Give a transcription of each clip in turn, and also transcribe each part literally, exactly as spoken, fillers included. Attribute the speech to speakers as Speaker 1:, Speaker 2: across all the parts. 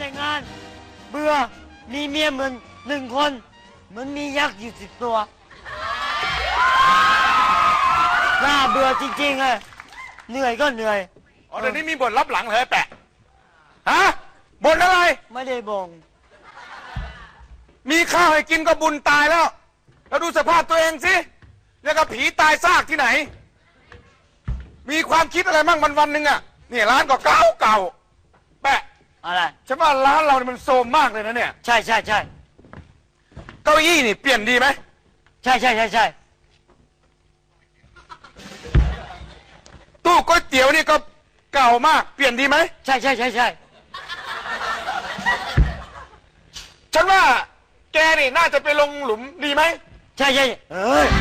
Speaker 1: แต่งงานเบื่อมีเมียเหมือนหนึ่งคนเหมือนมียักษ์อยู่สิบตัวน่าเบื่อจริงๆเลยเหนื่อยก็เหนื่อย
Speaker 2: อ๋อเดี๋ยวนี้มีบ่นรับหลังเหรอแปะฮะบ่นอะไร
Speaker 1: ไม่ได้บ่ง
Speaker 2: มีข้าวให้กินก็บุญตายแล้วแล้วดูสภาพตัวเองสิแล้วก็ผีตายซากที่ไหนมีความคิดอะไรมั่งวันวันหนึ่งอะนี่ร้านก็เก่าเก่าแปะ
Speaker 1: อะไร
Speaker 2: ฉันว่าร้านเราเนี่ยมันโทรมมากเลยนะเนี่ย
Speaker 1: ใช่ใช่ใช่
Speaker 2: เก้าอี้นี่เปลี่ยนดีไหม
Speaker 1: ใช่ใช่ใช่ใช่
Speaker 2: ตู้ก๋วยเตี๋ยวนี่ก็เก่ามากเปลี่ยนดีไหม
Speaker 1: ใช่ใช่ใช่ใช่
Speaker 2: ฉันว่าแกนี่น่าจะไปลงหลุมดีไหม
Speaker 1: ใช่ใช่เอ้ย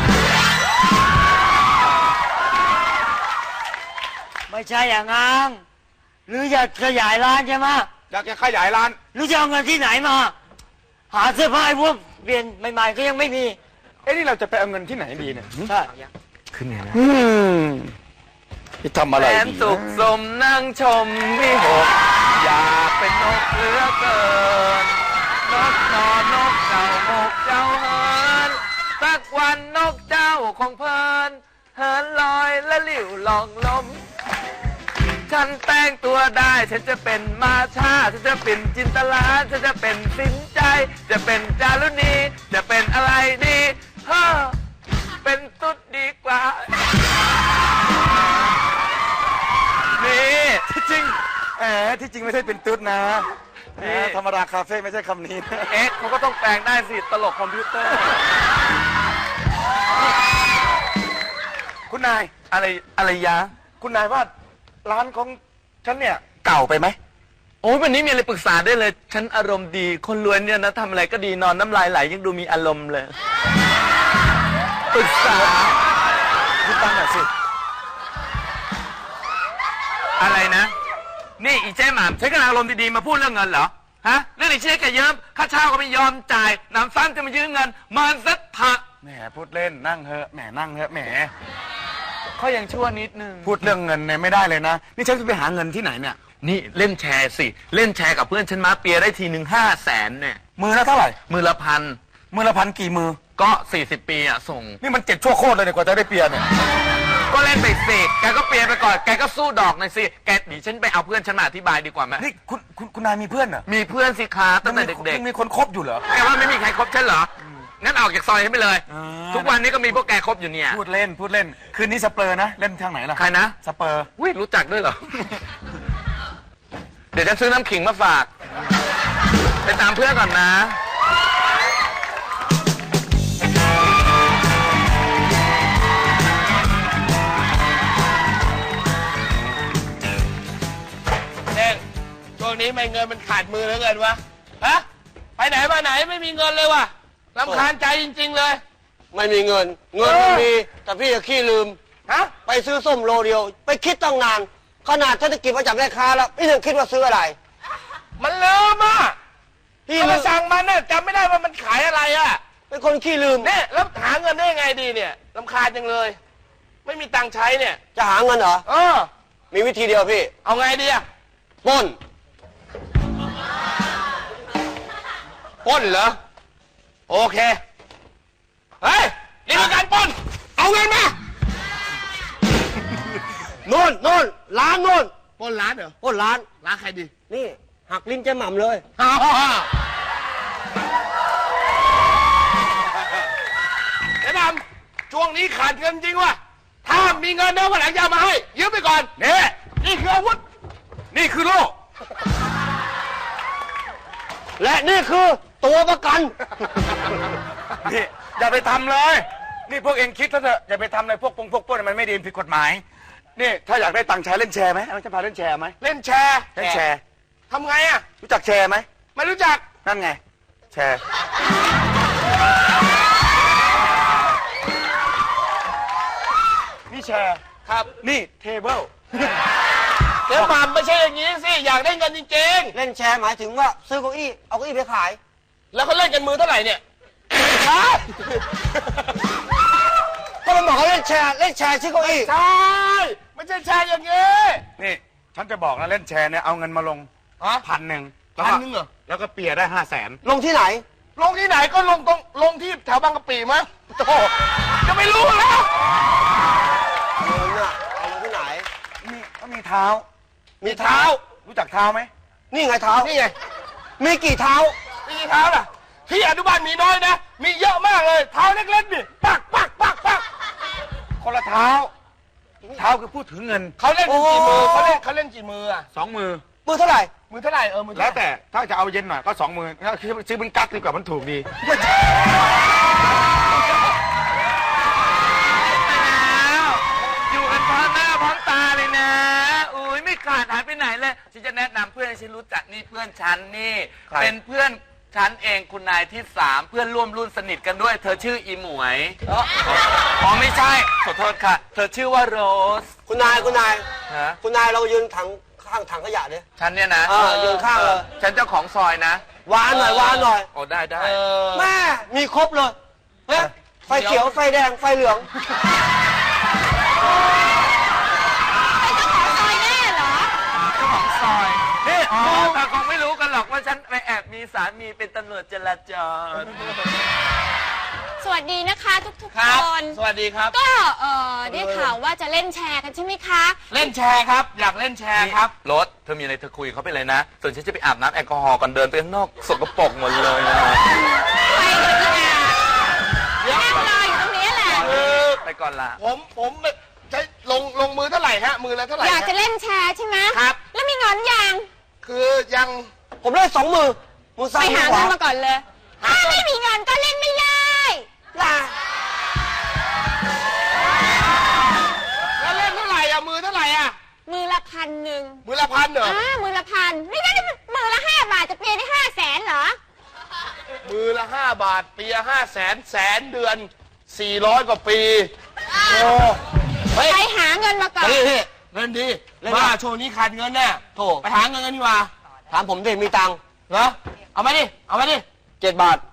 Speaker 1: ไม่ใช่อย่างงั้นหรืออยากขยายร้านใช่ไหม
Speaker 2: อยากจะขยายร้าน
Speaker 1: หรือจะเอาเงินที่ไหนมาหาเสื้อผ้าให้พวกเปลี่ยนใหม่ๆก็ยังไม่มี
Speaker 2: เอ้นี่เราจะไปเอาเงินที่ไหนดีเนี่ย
Speaker 1: ใช่
Speaker 2: ขึ้นเนี่ยนะอืมจะทำอะไรดีแสน
Speaker 3: สุขสมนั่งชมวิหกอยากเป็นนกเหลือเกินนกนอนนกเจ้าหกเจ้าเฮินสักวันนกเจ้าคงเพลินเฮินลอยและหลิวลองลมฉันแต่งตัวได้ฉันจะเป็นมาชาฉันจะเป็นจินตลาฉันจะเป็นสินใจจะเป็นจารุณีจะเป็นอะไรดีเฮ้อเป็นตุ๊ดดีกว่า
Speaker 2: นี่ที่จริงแหมที่จริงไม่ใช่เป็นตุ๊ดนะธรรมดาคาเฟ่ไม่ใช่คำนี้
Speaker 3: เอ๊ะเขาก็ต้องแปลงได้สิตลกคอมพิวเตอร์
Speaker 2: คุณนาย
Speaker 3: อะไรอะไรยะ
Speaker 2: คุณนายว่าร้านของฉันเนี่ยเก่าไปไหม
Speaker 3: โอ้ยวันนี้มีอะไรปรึกษาได้เลยฉันอารมณ์ดีคนรวยเนี่ยนะทำอะไรก็ดีนอนน้ำลายไหลยังดูมีอารมณ์เลยปรึกษา
Speaker 2: คุณตั้งหน่อยสิ
Speaker 3: อะไรนะนี่อีเจ๊หม่ำใช้กำลังอารมณ์ดีๆมาพูดเรื่องเงินเหรอฮะเรื่องไอ้เช็คกระเยิ้มค่าเช่าก็ไม่ยอมจ่ายน้ำซ้ำจะมายืมเงินมันสักผัก
Speaker 2: แหมพูดเล่นนั่งเถอะแหมนั่งเถอะแหม
Speaker 3: เขายังชั่วนิดนึง
Speaker 2: พูดเรื่องเงินเนี่ยไม่ได้เลยนะนี่ฉันจะไปหาเงินที่ไหนเนี่ย
Speaker 3: นี่เล่นแชร์สิเล่นแชร์กับเพื่อนฉันมาเปียได้ทีหนึ่งห้าแสนเนี่ย
Speaker 2: มือละเท่าไหร่
Speaker 3: มือละพัน
Speaker 2: มือละพันกี่มือ
Speaker 3: ก็สี่สิบปีอะส่ง
Speaker 2: นี่มันเจ็ดชั่วโคตรเลยเนี่ยกว่าจะได้เปียเนี่ย
Speaker 3: ก็เล่นไปสิแกก็เปียไปก่อนแกก็สู้ดอกหน่อยสิแกดิฉันไปเอาเพื่อนฉันมาอธิบายดีกว่าไหม
Speaker 2: นี่คุณคุณคุณนายมีเพื่อนเหรอ
Speaker 3: มีเพื่อนสิคะตั้งแต่เด็ก
Speaker 2: ๆมีคนคบอยู่เหรอ
Speaker 3: แกว่าไม่มีใครคบฉันเหรองั้นออกจากซอยให้ไปเลยทุกวันนี้ก็มีพวกแกคบอยู่เนี่ย
Speaker 2: พูดเล่นพูดเล่นคืนนี้สเปอร์นะเล่นทางไหนล่ะ
Speaker 3: ใครนะ
Speaker 2: สเปอร์
Speaker 3: อุ้ยรู้จักด้วยเหรอเดี๋ยวฉันซื้อน้ำขิงมาฝากไปตามเพื่อนก่อนนะ
Speaker 4: เน่งช่วงนี้ไม่เงินมันขาดมือเหลือเกินวะฮะไปไหนมาไหนไม่มีเงินเลยวะรำคาญใจจริงๆเลย
Speaker 5: ไม่มีเงินเงินไม่มีแต่พี่จะขี้ลืม
Speaker 4: ฮะ
Speaker 5: ไปซื้อส้มโลเดียวไปคิดตั้งนานขนาดฉันจะกินมาจากแม่ค้าแล้วพี่ยังคิดว่าซื้ออะไร
Speaker 4: มันลืมอ่ะพี่มาสั่งมันเนี่ยจำไม่ได้ว่ามันขายอะไรอ่ะ
Speaker 5: เป็นคนขี้ลืม
Speaker 4: เนี่ยแล้วหาเงินได้ยังไงดีเนี่ยรำคาญจังเลยไม่มีตังค์ใช้เนี่ย
Speaker 5: จะหาเงินเหรอ
Speaker 4: เออ
Speaker 5: มีวิธีเดียวพี่
Speaker 4: เอาไงดีอ่ะ
Speaker 5: ปล้น
Speaker 4: ปล้นเหรอโอเคเฮ้ยนี่คือการปล้นเอาเงินมา
Speaker 5: โน่นโน่นร้านโน่น
Speaker 4: ปล้นร้านเหรอ
Speaker 5: ปล้นร้าน
Speaker 4: ร้านใครดี
Speaker 5: นี่หักลิ้นเจ๊หม่ำเลย
Speaker 4: เจ๊หม่ำช่วงนี้ขาดเงินจริงวะถ้ามีเงินเดี๋ยววันหลังจะมาให้ยืมไปก่อน
Speaker 2: นี่
Speaker 4: นี่คืออาวุธ
Speaker 2: นี่คือโล่
Speaker 5: และนี่คือตัวประกัน
Speaker 2: นี่อย่าไปทำเลยนี่พวกเองคิดแล้วเถอะอย่าไปทำเลยพวกปงพวกปล้นมันไม่ดีผิดกฎหมายนี่ถ้าอยากได้ตังค์ใช้เล่นแชร์ไหมเอาจะพาเล่นแชร์ไหม
Speaker 4: เล่นแชร์
Speaker 2: เล่นแชร์
Speaker 4: ทำไงอ่ะ
Speaker 2: รู้จักแชร์ไหม
Speaker 4: ไม่รู้จัก
Speaker 2: นั่นไงแชร์นี่แชร์
Speaker 4: ครับ
Speaker 2: นี่เทเบิล
Speaker 4: เดี๋ยวมาไม่ใช่อย่างนี้สิอยากได้เงินจริง
Speaker 5: ๆเล่นแชร์หมายถึงว่าซื้อเก้าอี้เอาเก้าอี้ไปขาย
Speaker 4: แล้วเขาเล่นกันมือเท่าไหร่เนี่ย
Speaker 5: ก็มันบอกว่าเล่นแชร์เล่นแชร์ชื่อเก้าอี้
Speaker 4: ใช่ไม่ใช่แชร์อย่างนี้
Speaker 2: นี่ฉันจะบอกนะเล่นแชร์เนี่ยเอาเงินมาลงพันหนึ่งแล้ว
Speaker 4: พัน
Speaker 2: ก็
Speaker 4: หนึงเหรอ
Speaker 2: แล้วก็เปียได้ห้าแสน
Speaker 5: ลงที่ไหน
Speaker 4: ลงที่ไหนก็ลงตรงลงที่แถวบางกะปิมั้งโอ้โหจะไม่รู้แล้ว
Speaker 5: เงินอะเอาลงที่ไหน
Speaker 2: นี่ก็มีเท้า
Speaker 5: มีเท้า
Speaker 2: รู้จักเท้าไหม
Speaker 5: นี่ไงเท้า
Speaker 4: นี่ไง
Speaker 5: มีกี่เท้า
Speaker 4: มีกี่เท้าล่ะที่อนุบาลมีน้อยนะ มีเยอะมากเลยเท้าเล็กๆนี่ปักปักปักปัก
Speaker 2: คนละเท้า เท้าคือพูดถึงเงิน
Speaker 4: เขาเล่นกันกี่มือเขาเล่นเขาเล่นกี่มืออะ
Speaker 2: สองมือ
Speaker 5: มือเท่าไหร่
Speaker 4: มือเท่าไหร่เออมือเท่า
Speaker 2: แล้ว
Speaker 4: ไหร่
Speaker 2: แต่ถ้าจะเอาเย็นหน่อยก็สองมือถ้าคือซื้อเป็นกั๊กดีกว่ามันถูกดี
Speaker 3: อยู่กันพร้อมหน้าพร้อมตาเลยนะ อุ้ยไม่ขาดหายไปไหนเลย ฉันจะแนะนำเพื่อนให้ฉันรู้จักนี่เพื่อนฉันนี่
Speaker 2: ใคร
Speaker 3: เป็นเพื่อนฉันเองคุณนายที่สามเพื่อนร่วมรุ่นสนิทกันด้วย เธอชื่ออีหมวยอ๋อไม่ใช่ ขอโทษค่ะ เธอชื่อว่าโรส
Speaker 5: คุณนายคุณนาย
Speaker 3: ฮะ
Speaker 5: คุณนายเรายืนถังข้างถังขยะดิ
Speaker 3: ฉันเนี่ยนะ
Speaker 5: เออยืนข้างเลย
Speaker 3: ฉันเจ้าของซอยนะ
Speaker 5: วานหน่อยวานหน่อย
Speaker 3: โอ้ได้ได้
Speaker 4: เออ
Speaker 5: แม่มีครบเลยเฮ้ยไฟเขียวไฟแดงไฟเหลือง
Speaker 3: เจ้าของซอยนี่อ๋อแต่คงไม่รู้กันหรอกว่าฉันไปแอบมีสามีเป็นตำรวจจราจร
Speaker 6: สวัสดีนะคะทุกๆ
Speaker 4: ครับ
Speaker 6: คน
Speaker 4: สวัสดีครับ
Speaker 6: ก็เออได้ข่าวว่าจะเล่นแชร์กันใช่ไหมคะ
Speaker 4: เล่นแชร์ครับ อยากเล่นแชร์ครับ
Speaker 3: รถเธอมีอะไรเธอคุยกับเขาไปเลยนะ ส่วนฉันจะไปอาบน้ำแอลกอฮอล์ก่อนเดินไปข้างนอกสกปรกหมดเลยนะ
Speaker 6: ไปกับพี่อานั่งรออยู่ตรงนี้แหละ
Speaker 3: ไปก่อนละ
Speaker 4: ผมผมใช้ลงลงมือเท่าไหร่ฮะมือละเท่าไหร่
Speaker 6: อยาก
Speaker 4: ฮะ
Speaker 6: จะเล่นแชร์ใช่ไหม
Speaker 4: ครับ
Speaker 6: แล้วมีเงินยัง
Speaker 4: คือยัง
Speaker 5: ผมได้สองมือมือ
Speaker 6: ไป
Speaker 5: ซ้ายมื
Speaker 6: หา
Speaker 5: อข
Speaker 6: เงิ
Speaker 5: วาน
Speaker 6: มาก่อนเลย ถ้าไม่มีเงินก็เล่นไม่ได้
Speaker 5: ล่ะ
Speaker 4: แล้วเล่นเท่าไหร่อ่ะมือเท่าไหร่อ่ะ
Speaker 6: มือละพันหนึ่ง
Speaker 4: มือละพันเหรอ
Speaker 6: อ่ามือละพันนี่ก็มือละห้าบาทจะเปลี่ยนได้ห้าแสนเหรอ
Speaker 4: มือละห้าบาทปีละห้าแสนแสนเดือนสี่ร้อยกว่าปีโอ้เฮ้ย
Speaker 6: ไปหาเงินมาก่อน
Speaker 5: พี่พี่
Speaker 4: เงินดี
Speaker 5: เล่น
Speaker 4: ว่า
Speaker 5: มา
Speaker 4: ช่วงนี้ขาดเงินแน่
Speaker 5: โถ
Speaker 4: ไปหาเงินกันดีกว่า
Speaker 5: ถามผมดิมีตังค์
Speaker 4: เหรอเอามาดิเอามาดิ
Speaker 5: เจ็ดบาท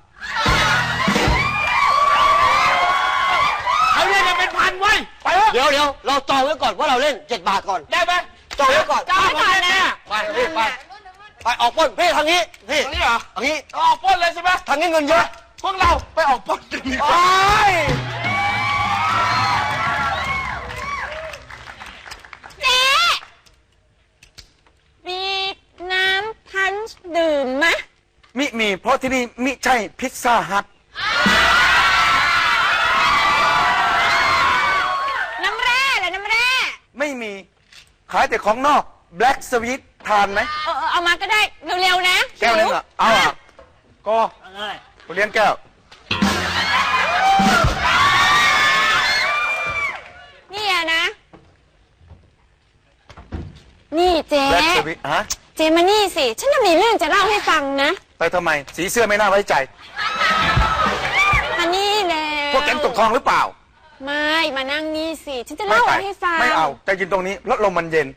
Speaker 4: เอาเนี่ยจะเป็นพันไว้ยไปเถอะ
Speaker 5: เดี๋ยวเดี๋ยวเราจองไว้ก่อนว่าเราเล่นเจ็ดบาทก่อน
Speaker 4: ได้ไหม
Speaker 5: จองไว้ก่อน
Speaker 6: จองไว้ก่อนนะ
Speaker 4: ไปพี่ไป
Speaker 5: ไปออกปล้นพี่ทางนี้พี่
Speaker 4: ตรงนี้เหรอ
Speaker 5: ทางนี้
Speaker 4: เอาออกปล้นเลยใช่ไหม
Speaker 5: ทางนี้เงินเยอะ
Speaker 4: พวกเราไปออกปล้นกันดีก
Speaker 5: โอ้
Speaker 4: ว่าย
Speaker 6: เจ๊มีน้ำพันช์ดื่มไหม
Speaker 2: มิมีเพราะที่นี่มิใช่พิซซ่าฮัท
Speaker 6: น้ำแร่เหรอน้ำแร่
Speaker 2: ไม่มีขายแต่ของนอกแบล็กสวีททานไหม
Speaker 6: เออเออเอามาก็ได้เร็วๆนะ
Speaker 2: แก้วนึงอ่ะเอาอ่ะก็กูเลี้ยงแก้ว
Speaker 6: นี่อะนะ นี่เจ๊
Speaker 2: แบล็กสวีทฮะ
Speaker 6: เจ๊มานี่สิ ฉันจะมีเรื่องจะเล่าให้ฟังนะ
Speaker 2: ไปทำไม สีเสื้อไม่น่าไว้ใจ
Speaker 6: มานี่แล้ว
Speaker 2: พวกแก๊งตกทองหรือเปล่า
Speaker 6: ไม่ มานั่งนี่สิ ฉันจะ
Speaker 2: ไม่
Speaker 6: เล่า
Speaker 2: ไป
Speaker 6: ให้ฟัง
Speaker 2: ไม่เอาแต่ยืนตรงนี้รถลมมันเย็น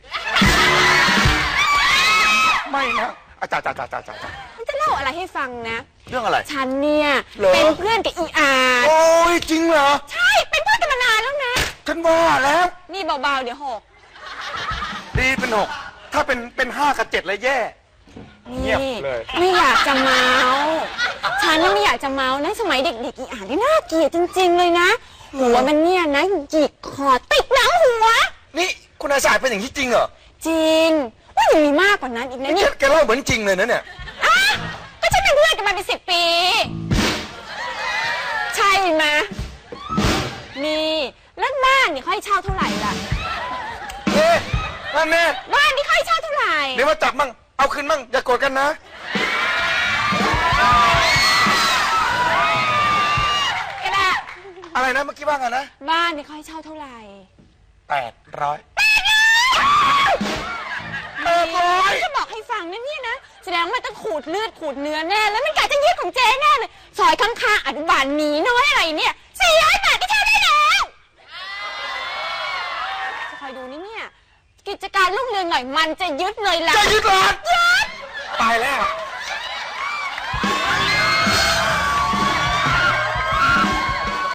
Speaker 2: ไม่นะอาจารย์อาจารย์อาจารย์อาจารย์
Speaker 6: ฉันจะเล่าอะไรให้ฟังนะ
Speaker 2: เรื่องอะไร
Speaker 6: ฉันเนี่ย
Speaker 2: เหรอ
Speaker 6: เป็นเพื่อนกับอีอาร์
Speaker 2: โอ้ยจริงเหรอ
Speaker 6: ใช่ เป็นเพื่อนกันมานานแล้วนะ
Speaker 2: ฉันว่าแล้ว
Speaker 6: นี่เบาๆ เดี๋ยวหก
Speaker 2: ดีเป็นหกถ้าเป็นเป็นห้ากับเจ็ดเลยแย่ เงียบ
Speaker 6: นี่
Speaker 2: เลย
Speaker 6: ไม่อยากจะเมาฉันน่ะไม่อยากจะเมานะ สมัยเด็กๆอีอ่านนี่น่าเกลียดจริงๆเลยนะ หัวมันเนี่ยนะหยิกคอติดหนังหัว
Speaker 2: นี่คุณอาสายเป็นอย่างที่จริงเหรอ
Speaker 6: จริง ว่ายังมีมากกว่านั้นอีกนะ
Speaker 2: นี่
Speaker 6: เนี่ย
Speaker 2: แกเล่าเหมือนจริงเลยนะเนี่ย
Speaker 6: อ่ะก็ฉันเป็นเพื่อนกันมาเป็นสิบปี ใช่ไหมนี่แล้วบ้านนี่เขาให้เช่าเท่าไหร่ล่ะ
Speaker 2: เอ๊ะนั่นแน่
Speaker 6: บ้านนี่เขาให้เช่าเท่าไหร่
Speaker 2: เดี๋ยวมาจับมั่งเอาคืนมั่งอย่าโกรธกันนะ
Speaker 6: ก็ได้
Speaker 2: อะไรนะเมื่อกี้ว่าไงนะ
Speaker 6: บ้านนี่เขาให้เช่าเท่าไหร่
Speaker 2: แปดร้อย
Speaker 6: เออจะบอกให้ฟังนะเนี่ยนะแสดงว่าต้องขูดเลือดขูดเนื้อแน่แล้วมันกะจะยึดของเจ๊แน่เลยซอยข้างๆอนุบาลหมีน้อยอะไรเนี่ยสี่ร้อยบาทก็เช่าได้แล้วจะคอยดูนี่เนี่ยกิจการรุ่งเรืองหน่อยมันจะยึดเลยล่ะ
Speaker 2: จะยึดร้าน
Speaker 6: ยึด
Speaker 2: ตายแล้ว
Speaker 6: ใ